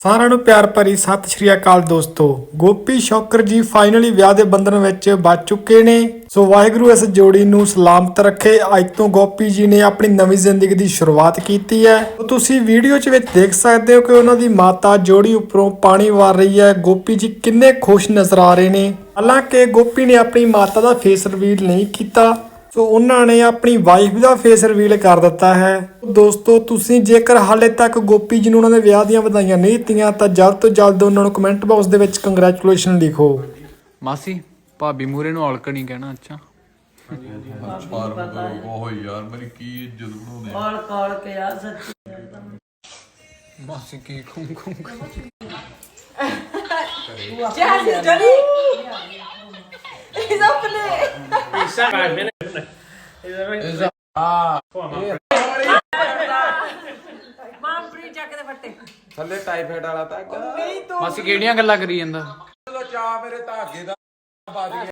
ਸਾਰਿਆਂ ਨੂੰ ਪਿਆਰ ਭਰੀ ਸਤਿ ਸ਼੍ਰੀ ਅਕਾਲ ਦੋਸਤੋ। ਗੋਪੀ ਸ਼ੌਕਰ ਜੀ ਫਾਈਨਲੀ ਵਿਆਹ ਦੇ ਬੰਧਨ ਵਿੱਚ ਬੱਝ ਚੁੱਕੇ ਨੇ। ਸੋ ਵਾਹਿਗੁਰੂ ਇਸ ਜੋੜੀ ਨੂੰ ਸਲਾਮਤ ਰੱਖੇ। ਅੱਜ ਤੋਂ ਗੋਪੀ ਜੀ ਨੇ ਆਪਣੀ ਨਵੀਂ ਜ਼ਿੰਦਗੀ ਦੀ ਸ਼ੁਰੂਆਤ ਕੀਤੀ ਹੈ। ਤੁਸੀਂ ਵੀਡੀਓ 'ਚ ਵਿੱਚ ਦੇਖ ਸਕਦੇ ਹੋ ਕਿ ਉਹਨਾਂ ਦੀ ਮਾਤਾ ਜੋੜੀ ਉੱਪਰੋਂ ਪਾਣੀ ਵਾਰ ਰਹੀ ਹੈ। ਗੋਪੀ ਜੀ ਕਿੰਨੇ ਖੁਸ਼ ਨਜ਼ਰ ਆ ਰਹੇ ਨੇ। ਹਾਲਾਂਕਿ ਗੋਪੀ ਨੇ ਆਪਣੀ ਮਾਤਾ ਦਾ ਫੇਸ ਰਿਵੀਲ ਨਹੀਂ ਕੀਤਾ, ਸੋ ਉਹਨਾਂ ਨੇ ਆਪਣੀ ਵਾਈਫ ਦਾ ਫੇਸ ਰਿਵੀਲ ਕਰ ਦਿੱਤਾ ਹੈ। ਦੋਸਤੋ ਤੁਸੀਂ ਜੇਕਰ ਹਾਲੇ ਤੱਕ ਗੋਪੀ ਜੀ ਨੂੰ ਉਹਨਾਂ ਦੇ ਵਿਆਹ ਦੀਆਂ ਵਧਾਈਆਂ ਨਹੀਂ ਦਿੱਤੀਆਂ ਤਾਂ ਜਲਦ ਤੋਂ ਜਲਦ ਉਹਨਾਂ ਨੂੰ ਕਮੈਂਟ ਬਾਕਸ ਦੇ ਵਿੱਚ ਕੰਗ੍ਰੈਚੁਲੇਸ਼ਨ ਲਿਖੋ। ਮਾਸੀ ਭਾਬੀ ਮੂਰੇ ਨੂੰ ਔਲਕ ਨਹੀਂ ਕਹਿਣਾ। ਅੱਛਾ ਉਹ ਯਾਰ ਮੇਰੀ ਕੀ ਇੱਜ਼ਤ ਬਣਾਉਂਦੇ ਕਾਲ ਕਾਲ ਕੇ ਆ ਸੱਚੀ ਮਾਸੀ ਕੀ ਖੂੰ ਖੂੰ ਜੈਸੀ ਜਲੀ ਇਸ ਆਪਣੇ ਮਾਂਪਰੀ ਚੱਕ ਦੇ ਫੱਟੇ ਥੱਲੇ ਟਾਈਫਾਈਡ ਵਾਲਾ ਤਾਂ ਮਾਸੀ ਕਿਹੜੀਆਂ ਗੱਲਾਂ ਕਰੀ ਜਾਂਦਾ। ਚਾ ਮੇਰੇ ਧਾਗੇ ਦਾ ਵੱਜ ਗਿਆ।